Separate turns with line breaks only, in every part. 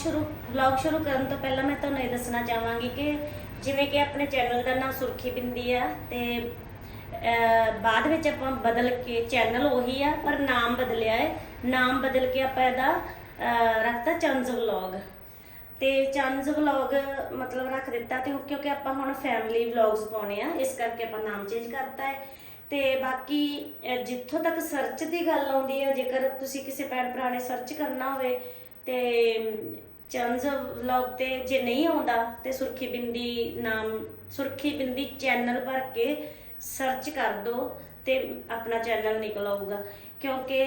Vlog ਸ਼ੁਰੂ ਕਰਨ ਤੋਂ ਪਹਿਲਾਂ ਮੈਂ ਤੁਹਾਨੂੰ ਇਹ ਦੱਸਣਾ ਚਾਹਾਂਗੀ ਕਿ ਜਿਵੇਂ ਕਿ ਆਪਣੇ ਚੈਨਲ ਦਾ ਨਾਮ ਸੁਰਖੀ ਬਿੰਦੀ ਆ ਤੇ ਬਾਅਦ ਵਿੱਚ ਆਪਾਂ ਬਦਲ ਕੇ ਚੈਨਲ ਉਹੀ ਆ ਪਰ ਨਾਮ ਬਦਲਿਆ ਹੈ। ਨਾਮ ਬਦਲ ਕੇ ਆਪਾਂ ਇਹਦਾ ਰੱਖਤਾ ਚੰਜ਼ ਵਲੌਗ ਤੇ ਚੰਜ਼ ਵਲੌਗ ਮਤਲਬ ਰੱਖ ਦਿੱਤਾ ਤੇ ਕਿਉਂਕਿ ਆਪਾਂ ਹੁਣ ਫੈਮਿਲੀ ਵਲੌਗਸ ਪਾਉਣੇ ਆ, ਇਸ ਕਰਕੇ ਆਪਾਂ ਨਾਮ ਚੇਂਜ ਕਰਤਾ ਹੈ। ਤੇ ਬਾਕੀ ਜਿੱਥੋਂ ਤੱਕ ਸਰਚ ਦੀ ਗੱਲ ਆਉਂਦੀ ਹੈ, ਜੇਕਰ ਤੁਸੀਂ ਕਿਸੇ ਭੈਣ ਭਰਾ ਨੇ ਸਰਚ ਕਰਨਾ ਹੋਵੇ ਤੇ ਚੰਜ਼ ਵਲੌਗ ਤੇ ਜੇ ਨਹੀਂ ਆਉਂਦਾ ਤੇ ਸੁਰਖੀ ਬਿੰਦੀ ਨਾਮ ਸੁਰਖੀ ਬਿੰਦੀ ਚੈਨਲ ਭਰ ਕੇ ਸਰਚ ਕਰ ਦੋ ਤੇ ਆਪਣਾ ਚੈਨਲ ਨਿਕਲ ਆਊਗਾ। ਕਿਉਂਕਿ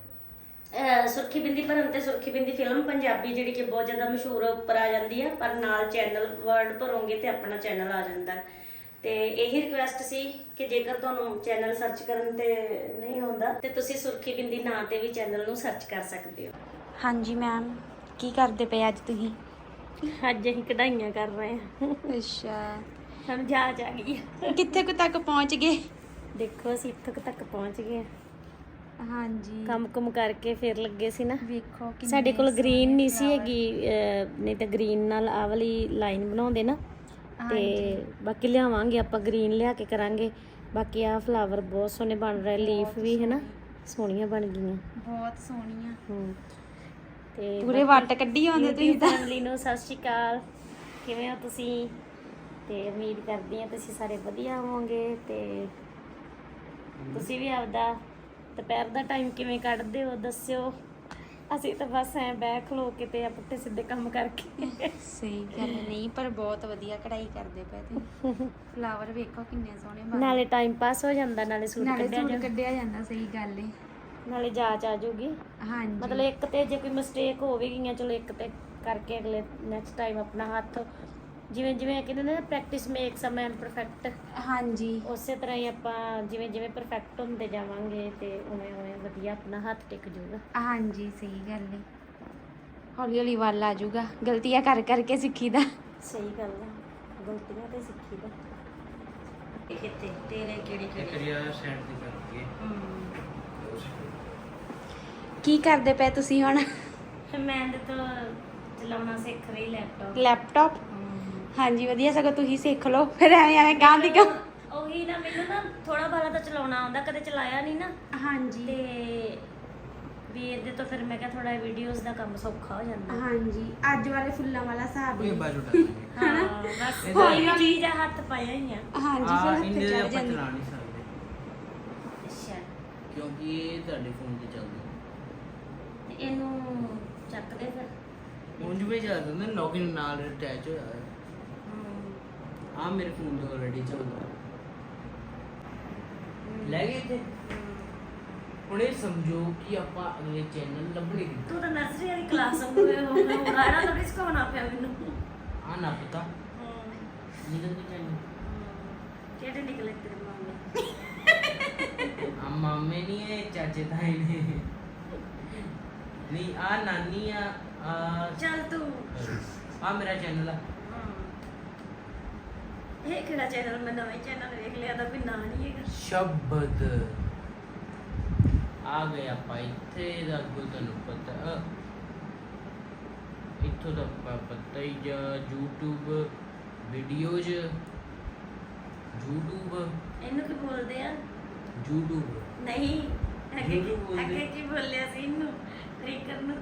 ਸੁਰਖੀ ਬਿੰਦੀ ਭਰਨ ਤੇ ਸੁਰਖੀ ਬਿੰਦੀ ਫਿਲਮ ਪੰਜਾਬੀ ਜਿਹੜੀ ਕਿ ਬਹੁਤ ਜ਼ਿਆਦਾ ਮਸ਼ਹੂਰ ਉੱਪਰ ਆ ਜਾਂਦੀ ਹੈ, ਪਰ ਨਾਲ ਚੈਨਲ ਵਰਡ ਭਰੋਗੇ ਤੇ ਆਪਣਾ ਚੈਨਲ ਆ ਜਾਂਦਾ। ਤੇ ਇਹੀ ਰਿਕੁਐਸਟ ਸੀ ਕਿ ਜੇਕਰ ਤੁਹਾਨੂੰ ਚੈਨਲ ਸਰਚ ਕਰਨ ਤੇ ਨਹੀਂ ਆਉਂਦਾ ਤੇ ਤੁਸੀਂ ਸੁਰਖੀ ਬਿੰਦੀ ਨਾਂ ਤੇ ਵੀ ਚੈਨਲ ਨੂੰ ਸਰਚ ਕਰ ਸਕਦੇ ਹੋ।
ਹਾਂਜੀ ਮੈਮ, ਕੀ ਕਰਦੇ ਪਏ ਅੱਜ ਤੁਸੀਂ?
ਅੱਜ ਅਸੀਂ ਕਢਾਈਆਂ ਕਰ ਰਹੇ ਹਾਂ।
ਅੱਛਾ,
ਸਾਨੂੰ ਜਾਚ ਆ ਗਈ।
ਕਿੱਥੇ ਕੁ ਤੱਕ ਪਹੁੰਚ ਗਏ?
ਦੇਖੋ ਅਸੀਂ ਇੱਥੋਂ ਤੱਕ ਪਹੁੰਚ ਗਏ।
ਹਾਂਜੀ,
ਕੰਮ ਕਰਕੇ ਫਿਰ ਲੱਗੇ ਸੀ ਨਾ।
ਵੇਖੋ ਕਿੰਨੇ
ਸਾਡੇ ਕੋਲ ਗ੍ਰੀਨ ਨਹੀਂ ਸੀ ਹੈਗੀ, ਨਹੀਂ ਤਾਂ ਗ੍ਰੀਨ ਨਾਲ ਆਹ ਵਾਲੀ ਲਾਈਨ ਬਣਾਉਂਦੇ ਨਾ। ਤੇ ਬਾਕੀ ਲਿਆਵਾਂਗੇ ਆਪਾਂ, ਗ੍ਰੀਨ ਲਿਆ ਕੇ ਕਰਾਂਗੇ। ਬਾਕੀ ਆਹ ਫਲਾਵਰ ਬਹੁਤ ਸੋਹਣੇ ਬਣ ਰਹੇ, ਲੀਫ ਵੀ ਹੈ ਨਾ ਸੋਹਣੀਆਂ ਬਣ ਗਈਆਂ,
ਬਹੁਤ ਸੋਹਣੀਆਂ।
ਤੇ
ਪੂਰੇ ਵੱਟ ਕੱਢੀ ਆਉਂਦੇ ਤੁਸੀਂ ਤਾਂ।
ਫੈਮਿਲੀ ਨੂੰ ਸਤਿ ਸ਼੍ਰੀ ਅਕਾਲ, ਕਿਵੇਂ ਹੋ ਤੁਸੀਂ? ਤੇ ਉਮੀਦ ਕਰਦੀ ਹਾਂ ਤੁਸੀਂ ਸਾਰੇ ਵਧੀਆ ਹੋਵੋਗੇ ਤੇ ਤੁਸੀਂ ਵੀ ਆਪਦਾ ਦੁਪਹਿਰ ਦਾ ਟਾਈਮ ਕਿਵੇਂ ਕੱਢਦੇ ਹੋ ਦੱਸਿਓ। ਅਸੀਂ ਤਾਂ ਬਸ ਐਂ ਬਹਿ ਖਲੋ ਕੇ ਤੇ ਪੁੱਠੇ ਸਿੱਧੇ ਕੰਮ ਕਰਕੇ।
ਸਹੀ ਗੱਲ ਨਹੀਂ, ਪਰ ਬਹੁਤ ਵਧੀਆ ਕਢਾਈ ਕਰਦੇ ਪਏ ਤੁਸੀਂ। ਫਲਾਵਰ ਵੇਖੋ ਕਿੰਨੇ ਸੋਹਣੇ ਬਣੇ,
ਨਾਲੇ ਟਾਈਮ ਪਾਸ ਹੋ ਜਾਂਦਾ, ਨਾਲੇ ਸੂਟ
ਕੱਢਿਆ ਜਾਂਦਾ। ਸਹੀ ਗੱਲ ਏ,
ਨਾਲੇ ਜਾਚ ਆ ਜਾਊਗੀ।
ਹਾਂਜੀ,
ਮਤਲਬ ਇੱਕ ਤੇ ਜੇ ਕੋਈ ਮਿਸਟੇਕ ਹੋ ਵੀ ਗਈਆਂ, ਚਲੋ ਇੱਕ ਤੇ ਕਰਕੇ ਅਗਲੇ ਨੈਕਸਟ ਟਾਈਮ ਆਪਣਾ ਹੱਥ ਜਿਵੇਂ ਜਿਵੇਂ ਕਹਿੰਦੇ ਨੇ practice makes a man perfect. ਹਾਂਜੀ, ਉਸੇ ਤਰ੍ਹਾਂ ਹੀ ਆਪਾਂ ਜਿਵੇਂ ਜਿਵੇਂ ਪਰਫੈਕਟ ਹੁੰਦੇ ਜਾਵਾਂਗੇ ਤੇ ਉਵੇਂ ਉਵੇਂ ਵਧੀਆ ਆਪਣਾ ਹੱਥ ਟਿਕ ਜਾਊਗਾ। ਹਾਂਜੀ,
ਸਹੀ ਗੱਲ ਏ, ਹੌਲੀ ਹੌਲੀ ਵੱਲ ਆ ਜਾਊਗਾ। ਗਲਤੀਆਂ ਕਰ ਕਰਕੇ ਸਿੱਖੀਦਾ।
ਸਹੀ ਗੱਲ ਆ, ਗਲਤੀਆਂ ਤੇ ਸਿੱਖੀਦਾ। ਕਿਤੇ ਤੇਰੇ ਕਿਹੜੀ
ਕੀ ਕਰਦੇ ਪਏ ਤੁਸੀਂ ਹੁਣ?
ਮੈਂ ਤਾਂ ਚਲਾਉਣਾ ਸਿੱਖ ਰਹੀ
ਲੈਪਟਾਪ। ਹਾਂਜੀ, ਵਧੀਆ, ਸਗੋਂ ਤੁਸੀਂ ਸਿੱਖ ਲਓ, ਫਿਰ ਐਵੇਂ ਗਾਂ ਦੀ ਗਾਂ।
ਉਹੀ ਨਾ, ਮੈਨੂੰ ਨਾ ਥੋੜਾ ਬਾਲਾ ਤਾਂ ਚਲਾਉਣਾ ਆਉਂਦਾ, ਕਦੇ ਚਲਾਇਆ ਨਹੀਂ ਨਾ।
ਹਾਂਜੀ,
ਤੇ ਵੀ ਇਹਦੇ ਤੋਂ ਫਿਰ ਮੈਂ ਕਿਹਾ ਥੋੜਾ ਵੀਡੀਓਜ਼ ਦਾ ਕੰਮ ਸੌਖਾ ਹੋ ਜਾਂਦਾ।
ਹਾਂਜੀ, ਅੱਜ ਵਾਲੇ ਫੁੱਲਾਂ ਵਾਲਾ ਹਿਸਾਬ ਹੀ।
ਹਾਂ, ਬਸ ਕੋਈ ਚੀਜ਼ ਆ ਹੱਥ ਪਾਇਆ ਹੀ ਆ।
ਹਾਂਜੀ, ਫਿਰ ਹੱਥ ਚੜ ਜਾਂਦੀ।
ਚਲਾ ਨਹੀਂ ਸਕਦੇ
ਅੱਛਾ,
ਕਿਉਂਕਿ ਇਹ ਤੁਹਾਡੇ ਫੋਨ ਤੇ ਚੱਲਦਾ।
ਤੇ ਇਹਨੂੰ ਚੱਕ ਦੇ ਫਿਰ।
ਉਂਝ ਵੀ ਚੱਲਦਾ ਨਾ, ਲੌਗਇਨ ਨਾਲ ਅਟੈਚ ਹੋਇਆ ਹੈ। ਆ ਮੇਰੇ ਫੋਨ ਤੇ ਆਲਰੇਡੀ ਚੱਲਦਾ। ਲੈ ਗਏ ਤੇ ਹੁਣ ਇਹ ਸਮਝੋ ਕਿ ਆਪਾਂ ਅਗਲੇ ਚੈਨਲ ਲੱਭਣੇ ਕਿੱਥੇ।
ਤੂੰ ਤਾਂ ਨਰਸਰੀ ਵਾਲੀ ਕਲਾਸ ਹੋਵੇ ਹੋ ਰਾਣਾ ਤਾਂ ਸਿਖਾਉਣਾ ਪਿਆ ਮੈਨੂੰ।
ਆ ਨਾ ਪਤਾ ਨਿਕਲ ਕੇ ਚੈਨਲ
ਕਿਹੜੇ ਨਿਕਲੇ ਤੇਰੇ ਮਾਮੇ?
ਆ ਮਾਮੇ ਨਹੀਂ ਹੈ, ਚਾਚੇ ਤਾਏ ਨੇ। ਨਹੀਂ ਆ ਨਾਨੀ ਆ।
ਚੱਲ ਤੂੰ
ਆ ਮੇਰਾ ਚੈਨਲ ਆ।
ਇਹ ਕਿਹੜਾ ਚੈਨਲ? ਮੈਂ ਨਵਾਂ ਚੈਨਲ ਵੇਖ ਲਿਆ ਤਾਂ ਕੋਈ ਨਾਂ ਨਹੀਂ ਹੈਗਾ।
ਸ਼ਬਦ ਆ ਗਏ ਆਪਾਂ ਇੱਥੇ ਦਾ ਕੋਈ ਤੁਹਾਨੂੰ ਪਤਾ, ਇੱਥੋਂ ਦਾ ਪਤਾ ਹੀ ਜਾਂ YouTube ਵੀਡੀਓਜ਼। YouTube
ਇਹਨੂੰ ਕੀ ਬੋਲਦੇ ਆ?
YouTube
ਨਹੀਂ,
YouTube ਬੋਲਦੇ।
ਅੱਗੇ ਕੀ ਬੋਲਿਆ ਸੀ ਇਹਨੂੰ? ਟ੍ਰਿਕਰ ਨੂੰ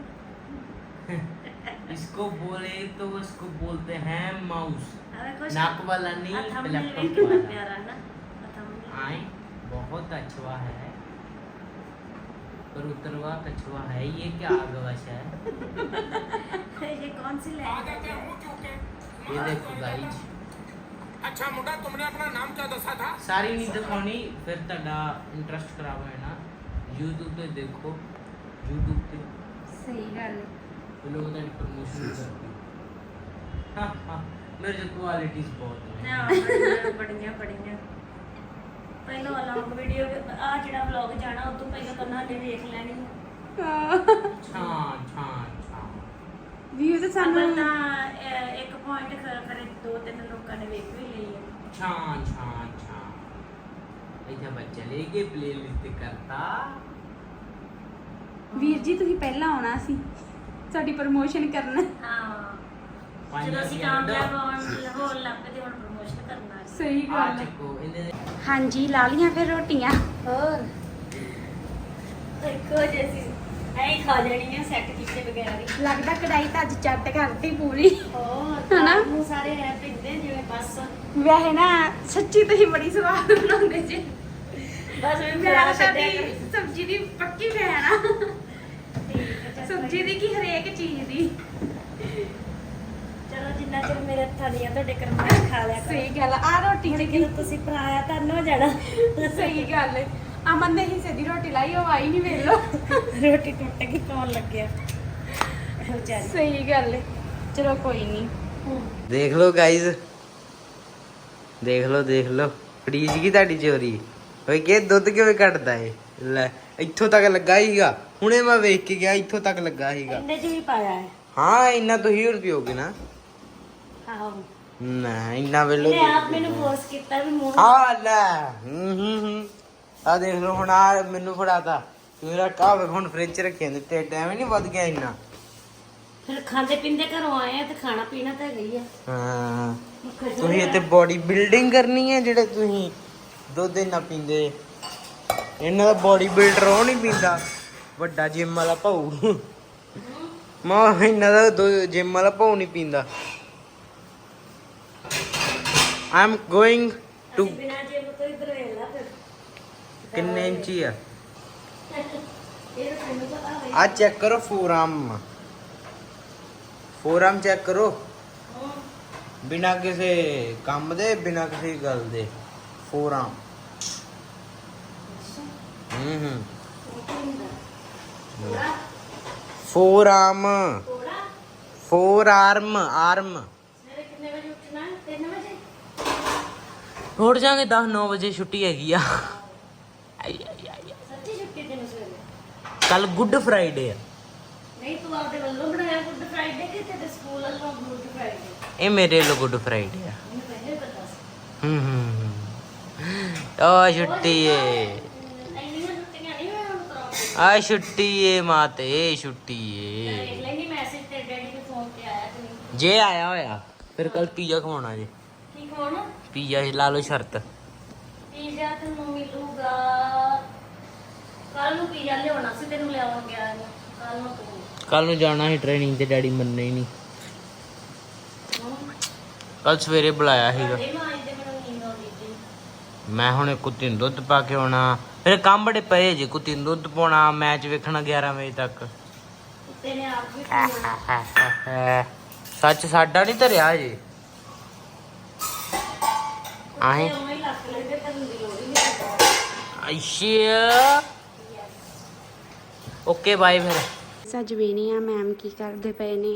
इसको बोले तो उसको बोलते हैं माउस।
अबे कुछ
नाक वाला नहीं, लैपटॉप
कितना
वाला।
प्यारा ना thumbnail।
आए बहुत अच्छा है, पर उतरवा कछुआ है। ये क्या आगवाशा है?
ये कौन सी लैंग्वेज है?
ये देखो गाइज।
अच्छा मुंडा, तुमने अपना नाम क्या दसा था?
सारी नहीं दिखानी, फिर ਤੁਹਾਡਾ ਇੰਟਰਸਟ ਖਰਾਬ ਹੋਏ ਨਾ। YouTube ਤੇ ਦੇਖੋ, YouTube ਤੇ
ਸਹੀ ਗੱਲ ਹੈ।
लोग तो प्रमोशन करते हैं। हाँ हाँ, मेरे जो क्वालिटीज बहुत हैं।
ਨਾ ਬੜੀਆਂ ਪਹਿਲਾਂ ਵਲੌਗ ਵੀਡੀਓ ਆ ਜਿਹੜਾ ਵਲੌਗ ਜਾਣਾ ਉਹ ਤੋਂ ਪਹਿਲਾਂ ਤਾਂ ਨਾਲੇ ਵੇਖ ਲੈਣੀ।
छां छां छां
ਵੀਊ ਤਾਂ
ਸਾਨੂੰ
ਸਾਨੂੰ
ਤਾਂ ਇੱਕ ਪੁਆਇੰਟ ਕਰੇ 2-3 ਲੋਕਾਂ ਨੇ ਵੇਖ ਵੀ ਲਈ ਹੈ।
छां छां छां इधर बच्चा लेके प्लेलिस्ट करता।
ਵੀਰ ਜੀ ਤੁਸੀਂ ਪਹਿਲਾਂ ਆਉਣਾ ਸੀ। ਸਾਡੀ ਪ੍ਰਮੋਸ਼ਨ ਕਰਨਾ।
ਹਾਂ
ਪੰਜ
ਜਦੋਂ ਅਸੀਂ
ਰੁਪਈਆ ਕੱਢੋ।
ਕਾਮਯਾਬ ਹੋਣ ਲੱਗ ਪਏ ਤੇ ਹੁਣ ਪ੍ਰਮੋਸ਼ਨ ਕਰਨਾ ਹੈ।
ਸਹੀ
ਆ
ਗੱਲ ਹੈ।
ਚੱਕੋ ਇਹਦੇ ਦੇ
ਹਾਂਜੀ ਲਾ ਲੀਆਂ ਫਿਰ ਰੋਟੀਆਂ।
ਹੋਰ ਇੱਕੋ ਜਿਹੀ ਐਂ ਖਾ ਜਾਣੀਆਂ ਸੈੱਟ ਕੀਤੇ ਬਗੈਰ ਹੀ।
ਲੱਗਦਾ ਕੜਾਈ ਤਾਂ ਅੱਜ ਚੱਟ ਕਰਤੀ ਪੂਰੀ।
ਹੋਰ
ਹਨਾ?
ਨੂੰ ਸਾਰੇ ਐ ਪਿੰਦੇ ਜਿਵੇਂ ਬਸ
ਵੈਸੇ ਨਾ ਸੱਚੀ ਤੁਸੀਂ ਬੜੀ ਸਵਾਦ ਬਣਾਉਂਦੇ ਜੀ।
ਬਸ ਮੈਂ
ਮੈਂ
ਖਾ
ਤਾਂ
ਛੱਡਿਆ
ਤੁਹਾਡੀ ਸਬਜ਼ੀ ਦੀ ਪੱਕੀ ਫੈਨ ਆ। ਸਬਜ਼ੀ ਦੀ ਕੀ ਹਰੇਕ ਚੀਜ਼ ਦੀ।
ਚਲੋ ਜਿੰਨਾ ਚਿਰ ਮੇਰੇ ਹੱਥਾਂ ਦੀਆਂ ਤੁਹਾਡੇ ਕਰਮਾਂ ਚ ਖਾ ਲਿਆ ਕਰੋ।
ਸਹੀ ਗੱਲ ਆ ਰੋਟੀ
ਹੁਣ
ਚ
ਜਦੋਂ ਤੁਸੀਂ ਪਰਾਇਆ ਤਾਂ ਹੋ ਜਾਣਾ।
ਸਹੀ ਗੱਲ ਹੈ। ਅਮਨ ਦੇ ਹਿੱਸੇ ਦੀ ਰੋਟੀ ਲਾਈ ਉਹ ਆਈ ਨਹੀਂ ਵੇਖ ਲੋ।
ਰੋਟੀ ਟੁੱਟ ਗਈ ਪਾਉਣ ਲੱਗਿਆ ਵਿਚਾਰੀ।
ਸਹੀ ਗੱਲ ਹੈ। ਚਲੋ ਕੋਈ ਨਹੀਂ।
ਦੇਖ ਲਓ ਗਾਇਜ਼, ਦੇਖ ਲਓ ਫਰੀਜ ਕੀ ਤੁਹਾਡੀ ਚੋਰੀ ਓਏ ਕਿ ਦੁੱਧ ਕਿਵੇਂ ਕੱਢਦਾ ਏ। ਲੈ ਇੱਥੋਂ ਤੱਕ ਲੱਗਾ ਹੀਗਾ, ਹੁਣੇ ਮੈਂ ਵੇਖ ਕੇ ਗਿਆ ਇੱਥੋਂ ਤੱਕ ਲੱਗਾ ਹੀਗਾ।
ਇੰਨੇ ਚ ਵੀ ਪਾਇਆ ਹੈ।
ਹਾਂ ਇੰਨਾ ਤੁਸੀਂ ਹੋਰ ਪੀਓਗੇ ਨਾ।
ਆਹੋ
ਨਾ ਇੰਨਾ ਵੇਲੋ
ਇਹਨੇ ਆਪ ਮੈਨੂੰ ਫੋਰਸ ਕੀਤਾ ਵੀ ਮੂੰਹ
ਆ ਲੈ ਆ ਦੇਖ ਲਓ ਹੁਣ ਆ ਮੈਨੂੰ ਫੜਾਤਾ ਮੇਰਾ ਕਾਹ ਹੁਣ ਫ੍ਰਿਜ ਚ ਰੱਖਿਆ ਨੇ ਤੇ ਟਾਈਮ ਨਹੀਂ ਵੱਧ ਗਿਆ ਇੰਨਾ।
ਫਿਰ ਖਾਂਦੇ ਪੀਂਦੇ ਘਰੋਂ ਆਏ ਆ ਤੇ ਖਾਣਾ ਪੀਣਾ ਤਾਂ ਹੈਗਾ ਹੀ ਆ।
ਹਾਂ ਤੁਸੀਂ ਇੱਥੇ ਬੋਡੀ ਬਿਲਡਿੰਗ ਕਰਨੀ ਹੈ ਜਿਹੜੇ ਤੁਸੀਂ ਦੁੱਧ ਇੰਨਾ ਪੀਂਦੇ। ਇਹਨਾਂ ਦਾ ਬੋਡੀ ਬਿਲਡਰ ਉਹ ਨਹੀਂ ਪੀਂਦਾ, ਵੱਡਾ ਜਿਮ ਵਾਲਾ ਭਾਊ। ਮੈਂ ਇਹਨਾਂ ਦਾ ਜਿਮ ਵਾਲਾ ਭਾਊ ਨਹੀਂ ਪੀਂਦਾ। ਆਈ ਐਮ ਗੋਇੰਗ ਟੂ
ਅਸੀਂ ਬਿਨਾਂ ਜਿਮ ਤੋਂ ਇਧਰ ਵੇਲਾ ਫਿਰ
ਕਿੰਨੇ ਇੰਚੀ ਆ
ਇਹ ਤਾਂ ਤੈਨੂੰ ਪਤਾ ਹੋਵੇ।
ਆ ਚੈੱਕ ਕਰੋ ਫੋਰਆਰਮ ਚੈੱਕ ਕਰੋ ਬਿਨਾ ਕਿਸੇ ਕੰਮ ਦੇ ਬਿਨਾ ਕਿਸੇ ਗੱਲ ਦੇ ਫੋਰਆਰਮ। ਫੋਰਆਰਮ ਆਰਮ।
ਸਵੇਰੇ ਕਿੰਨੇ ਵਜੇ ਉੱਠਣਾ? 3 ਵਜੇ।
ਉੱਠ ਜਾਾਂਗੇ 10-9 ਵਜੇ ਛੁੱਟੀ ਹੈਗੀ ਆ।
ਸੱਚੀ ਛੁੱਟੀ ਤੈਨੂੰ ਸਵੇਰੇ?
ਕੱਲ ਗੁੱਡ ਫਰਾਈਡੇ ਆ।
ਨਹੀਂ ਤੂੰ ਆਪਦੇ ਵੱਲੋਂ ਬਣਾਇਆ ਗੁੱਡ ਫਰਾਈਡੇ ਕਿ ਤੇਰੇ ਸਕੂਲ ਵੱਲੋਂ ਗੁੱਡ ਫਰਾਈਡੇ?
ਇਹ ਮੇਰੇ ਲਈ ਗੁੱਡ ਫਰਾਈਡੇ ਆ।
ਮੈਨੂੰ ਪਹਿਲੇ ਪਤਾ ਸੀ।
ਆ ਛੁੱਟੀ ਏ,
ਇੰਨੀਆਂ ਛੁੱਟੀਆਂ ਨਹੀਂ ਮੈਂ ਹੁਣ ਕਰਾਉਂਗੀ।
ਆ ਛੁੱਟੀ ਏ ਮਾਤੇ ਛੁੱਟੀ ਏ।
ਦੇਖ ਲੈਣੀ ਮੈਸੇਜ ਤੇ ਡੈਡੀ ਦੇ ਫੋਨ ਤੇ ਆਇਆ ਤੇ ਨਹੀਂ।
ਜੇ ਆਇਆ ਹੋਇਆ ਫਿਰ ਕੱਲ ਪੀਜ਼ਾ ਖਵਾਉਣਾ ਜੇ।
ਕੀ ਖਾਣਾ?
ਪੀਜ਼ਾ ਲਾ ਲਓ ਸ਼ਰਤ।
ਪੀਜ਼ਾ ਤੈਨੂੰ ਮਿਲੂਗਾ ਕੱਲ ਨੂੰ। ਪੀਜ਼ਾ ਲਿਆਉਣਾ ਸੀ ਤੈਨੂੰ ਲਿਆਉਣ ਗਿਆ ਕੱਲ ਨੂੰ ਤੂੰ।
ਕੱਲ ਨੂੰ ਜਾਣਾ ਸੀ ਟ੍ਰੇਨਿੰਗ ਤੇ, ਡੈਡੀ ਮੰਨੇ ਹੀ ਨਹੀਂ। ਕੱਲ ਸਵੇਰੇ ਬੁਲਾਇਆ ਸੀਗਾ।
ਸਾਡੇ ਮਾਂ ਦੇ ਮੈਨੂੰ ਨੀਂਦ ਆਉਂਦੀ ਸੀ।
ਮੈਂ ਹੁਣ ਕੁੱਤੀ ਨੂੰ ਦੁੱਧ ਪਾ ਕੇ ਆਉਣਾ, ਮੇਰੇ ਕੰਮ ਬੜੇ ਪਏ ਜੇ। ਕੁੱਤੀ ਨੂੰ ਦੁੱਧ ਪਾਉਣਾ, ਮੈਚ ਵੇਖਣਾ 11 ਵਜੇ ਤੱਕ।
ਕੁੱਤੇ ਨੇ ਆਪ ਵੀ ਪੀਣਾ।
ਸੱਚ ਸਾਡਾ ਨਹੀਂ ਧਰਿਆ ਜੇ। ਆਹੀਂ
ਤੇ ਉਵੇਂ ਹੀ ਲੱਕ ਲੈਂਦੇ ਤੈਨੂੰ ਦੀ ਲੋੜ ਹੀ ਨਹੀਂ।
ਅੱਛਾ ਓਕੇ ਬਾਏ ਫਿਰ।
ਸਜਵੇਨੀ ਆ ਮੈਮ ਕੀ ਕਰਦੇ ਪਏ ਨੇ?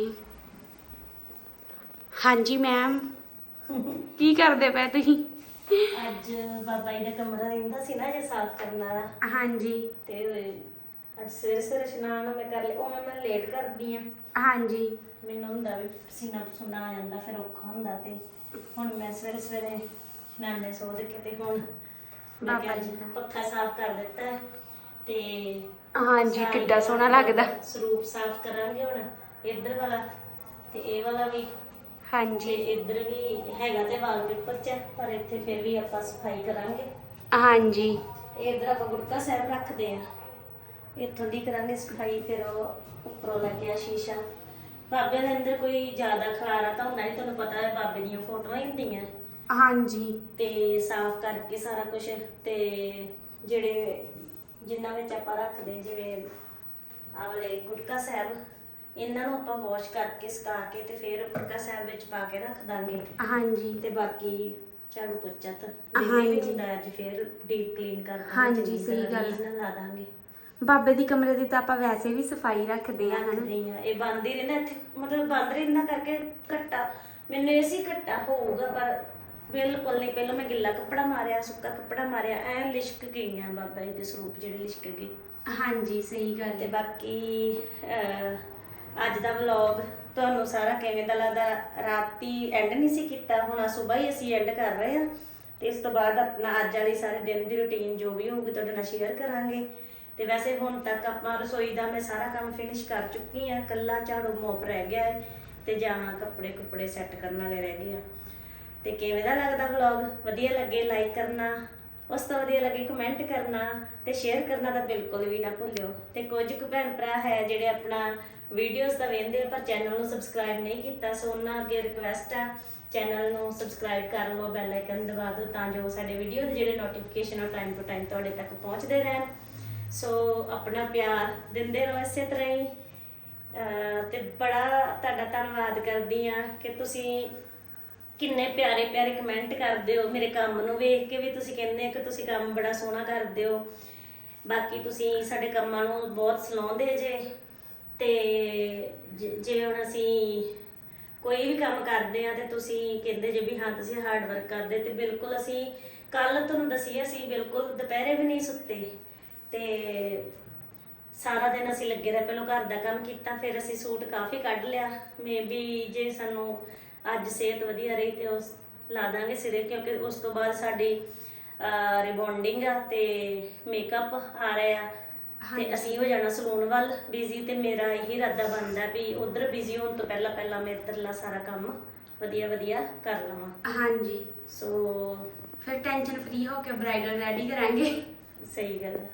ਹਾਂਜੀ ਮੈਮ ਕੀ ਕਰਦੇ ਪਏ ਤੁਸੀਂ?
ਅੱਜ ਬਾਬਾ ਜੀ ਦਾ ਕਮਰਾ ਰਹਿੰਦਾ ਸੀ ਨਾ ਜੇ ਸਾਫ਼ ਕਰਨ ਵਾਲਾ,
ਹਾਂਜੀ
ਤੇ ਅੱਜ ਸਵੇਰੇ ਸਵੇਰੇ ਇਸ਼ਨਾਨ ਮੈਂ ਕਰ ਲਿਆ। ਉਵੇਂ ਮੈਂ ਲੇਟ ਕਰਦੀ ਆ।
ਹਾਂਜੀ
ਮੈਨੂੰ ਹੁੰਦਾ ਵੀ ਪਸੀਨਾ ਪਸੂਨਾ ਆ ਜਾਂਦਾ ਫਿਰ ਔਖਾ ਹੁੰਦਾ, ਤੇ ਹੁਣ ਮੈਂ ਸਵੇਰੇ ਸਵੇਰੇ ਇਸ਼ਨਾਨੇ ਸੋ ਦੇ ਕੇ ਤੇ ਹੁਣ ਮੈਂ
ਬਾਬਾ
ਕਿਹਾ
ਜੀ ਦਾ।
ਪੱਖਾ ਸਾਫ਼ ਕਰ ਦਿੱਤਾ ਹੈ ਤੇ
ਹਾਂਜੀ
ਸਾਰੀ
ਕਿੱਡਾ ਸੋਹਣਾ ਲੱਗਦਾ।
ਸਰੂਪ ਸਾਫ਼ ਕਰਾਂਗੇ ਹੁਣ ਇੱਧਰ ਵਾਲਾ ਤੇ ਇਹ ਵਾਲਾ ਵੀ, ਤੇ
ਹਾਂਜੀ
ਇੱਧਰ ਵੀ ਹੈਗਾ ਤੇ ਵਾਲਪੇਪਰ ਚ, ਪਰ ਇੱਥੇ ਫਿਰ ਵੀ ਆਪਾਂ ਸਫਾਈ ਕਰਾਂਗੇ।
ਹਾਂਜੀ
ਤੇ ਇੱਧਰ ਆਪਾਂ ਗੁਟਕਾ ਸਾਹਿਬ ਰੱਖਦੇ ਆ, ਇੱਥੋਂ ਦੀ ਕਰਾਂਗੇ ਸਫਾਈ। ਫਿਰ ਉਹ ਉੱਪਰੋਂ ਲੱਗਿਆ ਸ਼ੀਸ਼ਾ। ਬਾਬੇ ਦੇ ਅੰਦਰ ਕੋਈ ਜ਼ਿਆਦਾ ਖਲਾਰਾ ਤਾਂ ਹੁੰਦਾ ਨਹੀਂ, ਤੁਹਾਨੂੰ ਪਤਾ ਹੈ ਬਾਬੇ ਦੀਆਂ ਫੋਟੋਆਂ ਹੀ ਹੁੰਦੀਆਂ,
ਹਾਂਜੀ
ਤੇ ਸਾਫ਼ ਕਰਕੇ ਸਾਰਾ ਕੁਝ। ਤੇ ਜਿਹੜੇ ਜਿਨ੍ਹਾਂ ਵਿੱਚ ਆਪਾਂ ਰੱਖਦੇ ਜਿਵੇਂ ਆਹ ਵਾਲੇ ਗੁਟਕਾ ਸਾਹਿਬ, ਇਹਨਾਂ ਨੂੰ ਆਪਾਂ ਵਾਸ਼ ਕਰਕੇ ਸੁਕਾ ਕੇ ਤੇ ਫਿਰ ਗੁਟਕਾ ਸਾਹਿਬ ਵਿੱਚ ਪਾ ਕੇ ਰੱਖ ਦਾਂਗੇ।
ਹਾਂਜੀ
ਤੇ ਬਾਕੀ ਝਾੜੂ ਪੋਚਾ ਤਾਂ
ਹਾਂਜੀ।
ਵੀ ਹੁੰਦਾ, ਅੱਜ ਫਿਰ ਡੀਪ ਕਲੀਨ ਕਰ ਦਾਂਗੇ।
ਹਾਂਜੀ,
ਚੰਗੀ
ਸਹੀ
ਤਰ੍ਹਾਂ
ਗੱਲ।
ਰੀਝ ਨਾਲ ਲਾ ਦਾਂਗੇ।
ਬਾਬੇ ਦੀ ਕਮਰੇ ਦੀ ਤਾਂ ਆਪਾਂ ਵੈਸੇ ਵੀ ਸਫਾਈ ਰੱਖਦੇ ਆ ਹਨਾ।
ਰੱਖਦੇ ਆ, ਇਹ ਬੰਦ ਹੀ ਰਹਿੰਦਾ ਇੱਥੇ, ਮਤਲਬ ਬੰਦ ਰਹਿੰਦਾ ਕਰਕੇ ਘੱਟਾ ਮੈਨੂੰ ਇਹ ਸੀ ਘੱਟਾ ਹੋਊਗਾ, ਪਰ ਬਿਲਕੁਲ ਨਹੀਂ। ਪਹਿਲਾਂ ਮੈਂ ਗਿੱਲਾ ਕੱਪੜਾ ਮਾਰਿਆ, ਸੁੱਕਾ ਕੱਪੜਾ ਮਾਰਿਆ, ਐ ਲਿਸ਼ਕ ਗਈਆਂ ਬਾਬਾ ਜੀ ਦੇ ਸਰੂਪ ਜਿਹੜੇ ਲਿਸ਼ਕ ਗਏ।
ਹਾਂਜੀ ਸਹੀ ਗੱਲ
ਤੇ
ਹੈ।
ਬਾਕੀ ਅੱਜ ਦਾ ਵਲੌਗ ਤੁਹਾਨੂੰ ਸਾਰਾ ਕਿਵੇਂ ਦਾ ਲੱਗਦਾ? ਰਾਤੀ ਐਂਡ ਨਹੀਂ ਸੀ ਕੀਤਾ, ਹੁਣ ਸਵੇਰ ਹੀ ਅਸੀਂ ਐਂਡ ਕਰ ਰਹੇ ਹਾਂ। ਤੇ ਇਸ ਤੋਂ ਬਾਅਦ ਆਪਣਾ ਅੱਜ ਵਾਲੀ ਸਾਰੇ ਦਿਨ ਦੀ ਰੁਟੀਨ ਜੋ ਵੀ ਹੋਊਗੀ ਤੁਹਾਡੇ ਨਾਲ ਸ਼ੇਅਰ ਕਰਾਂਗੇ। ਤੇ ਵੈਸੇ ਹੁਣ ਤੱਕ ਆਪਾਂ ਰਸੋਈ ਦਾ ਮੈਂ ਸਾਰਾ ਕੰਮ ਫਿਨਿਸ਼ ਕਰ ਚੁੱਕੀ ਆ, ਕੱਲਾ ਝਾੜੂ ਮੋਪ ਰਹਿ ਗਿਆ ਹੈ ਤੇ ਜਾਂ ਕੱਪੜੇ ਸੈੱਟ ਕਰਨ ਵਾਲੇ ਰਹਿ ਗਏ ਆ। ਤੇ ਕਿਵੇਂ ਦਾ ਲੱਗਦਾ ਵਲੌਗ? ਵਧੀਆ ਲੱਗੇ ਲਾਈਕ ਕਰਨਾ, ਉਸ ਤੋਂ ਵਧੀਆ ਲੱਗੇ ਕਮੈਂਟ ਕਰਨਾ ਤੇ ਸ਼ੇਅਰ ਕਰਨਾ ਤਾਂ ਬਿਲਕੁਲ ਵੀ ਨਾ ਭੁੱਲਿਓ। ਤੇ ਕੁਝ ਕੁ ਭੈਣ ਭਰਾ ਹੈ ਜਿਹੜੇ ਆਪਣਾ ਵੀਡੀਓਜ਼ ਤਾਂ ਵੇਖਦੇ ਆ ਪਰ ਚੈਨਲ ਨੂੰ ਸਬਸਕ੍ਰਾਈਬ ਨਹੀਂ ਕੀਤਾ, ਸੋ ਉਹਨਾਂ ਅੱਗੇ ਰਿਕਵੈਸਟ ਆ ਚੈਨਲ ਨੂੰ ਸਬਸਕ੍ਰਾਈਬ ਕਰ ਲਓ, ਬੈਲ ਆਈਕਨ ਦਬਾ ਦਿਓ ਤਾਂ ਜੋ ਸਾਡੇ ਵੀਡੀਓ ਦੇ ਜਿਹੜੇ ਨੋਟੀਫਿਕੇਸ਼ਨ ਆ ਟਾਈਮ ਟੂ ਟਾਈਮ ਤੁਹਾਡੇ ਤੱਕ ਪਹੁੰਚਦੇ ਰਹਿਣ। ਸੋ ਆਪਣਾ ਪਿਆਰ ਦਿੰਦੇ ਰਹੋ ਇਸੇ ਤਰ੍ਹਾਂ ਹੀ। ਤੇ ਬੜਾ ਤੁਹਾਡਾ ਧੰਨਵਾਦ ਕਰਦੀ ਆ ਕਿ ਤੁਸੀਂ ਕਿੰਨੇ ਪਿਆਰੇ ਪਿਆਰੇ ਕਮੈਂਟ ਕਰਦੇ ਹੋ, ਮੇਰੇ ਕੰਮ ਨੂੰ ਵੇਖ ਕੇ ਵੀ ਤੁਸੀਂ ਕਹਿੰਦੇ ਹੋ ਕਿ ਤੁਸੀਂ ਕੰਮ ਬੜਾ ਸੋਹਣਾ ਕਰਦੇ ਹੋ। ਬਾਕੀ ਤੁਸੀਂ ਸਾਡੇ ਕੰਮਾਂ ਨੂੰ ਬਹੁਤ ਸਲਾਹੁੰਦੇ ਜੇ। ਤੇ ਜਿਵੇਂ ਹੁਣ ਅਸੀਂ ਕੋਈ ਵੀ ਕੰਮ ਕਰਦੇ ਆ ਤੇ ਤੁਸੀਂ ਕਹਿੰਦੇ ਜੇ ਵੀ ਹਾਂ ਤੁਸੀਂ ਹਾਰਡ ਵਰਕ ਕਰਦੇ, ਤੇ ਬਿਲਕੁਲ ਅਸੀਂ ਕੱਲ ਤੁਹਾਨੂੰ ਦੱਸਿਆ ਸੀ ਬਿਲਕੁਲ ਦੁਪਹਿਰੇ ਵੀ ਨਹੀਂ ਸੁੱਤੇ ਤੇ ਸਾਰਾ ਦਿਨ ਅਸੀਂ ਲੱਗੇ ਰਹੇ। ਪਹਿਲਾਂ ਘਰ ਦਾ ਕੰਮ ਕੀਤਾ, ਫਿਰ ਅਸੀਂ ਸੂਟ ਕਾਫੀ ਕੱਢ ਲਿਆ। ਮੇ ਵੀ ਜੇ ਸਾਨੂੰ ਅੱਜ ਸਿਹਤ ਵਧੀਆ ਰਹੀ ਤੇ ਉਸ ਲਾ ਦਾਂਗੇ ਸਿਰੇ, ਕਿਉਂਕਿ ਉਸ ਤੋਂ ਬਾਅਦ ਸਾਡੀ ਰਿਬੌਂਡਿੰਗ ਆ ਤੇ ਮੇਕਅਪ ਆ ਰਿਹਾ ਤੇ ਅਸੀਂ ਹੋ ਜਾਣਾ ਸਲੂਨ ਵੱਲ ਬਿਜ਼ੀ। ਤੇ ਮੇਰਾ ਇਹੀ ਇਰਾਦਾ ਬਣਦਾ ਵੀ ਉਧਰ ਬਿਜ਼ੀ ਹੋਣ ਤੋਂ ਪਹਿਲਾਂ ਮੈਂ ਇੱਧਰਲਾ ਸਾਰਾ ਕੰਮ ਵਧੀਆ ਕਰ ਲਵਾਂ।
ਹਾਂਜੀ,
ਸੋ
ਫਿਰ ਟੈਨਸ਼ਨ ਫ੍ਰੀ ਹੋ ਕੇ ਬ੍ਰਾਈਡਲ ਰੈਡੀ ਕਰਾਂਗੇ।
ਸਹੀ ਗੱਲ ਆ।